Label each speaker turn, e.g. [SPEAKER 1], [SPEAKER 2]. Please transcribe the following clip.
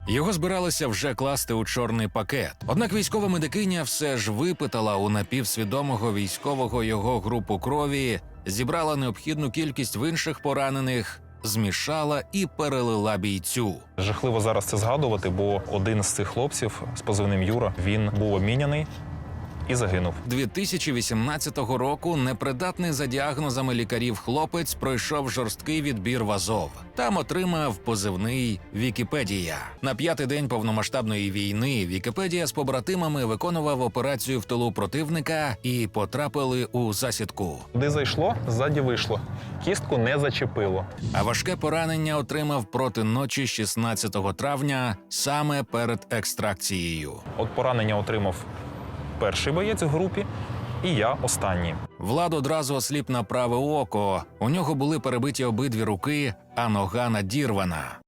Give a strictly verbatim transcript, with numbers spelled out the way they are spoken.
[SPEAKER 1] Його збиралися вже класти у чорний пакет. Однак військова медикиня все ж випитала у напівсвідомого військового його групу крові, зібрала необхідну кількість в інших поранених, змішала і перелила бійцю.
[SPEAKER 2] Жахливо зараз це згадувати, бо один з цих хлопців з позивним Юра, він був обміняний і загинув.
[SPEAKER 1] дві тисячі вісімнадцятого року непридатний за діагнозами лікарів хлопець пройшов жорсткий відбір в Азов. Там отримав позивний «Вікіпедія». На п'ятий день повномасштабної війни Вікіпедія з побратимами виконував операцію в тилу противника і потрапили у засідку.
[SPEAKER 2] Куди зайшло, ззаді вийшло. Кістку не зачепило.
[SPEAKER 1] А важке поранення отримав проти ночі шістнадцятого травня саме перед екстракцією.
[SPEAKER 2] От поранення отримав перший боєць в групі, і я останній.
[SPEAKER 1] Влад одразу осліп на праве око. У нього були перебиті обидві руки, а нога надірвана.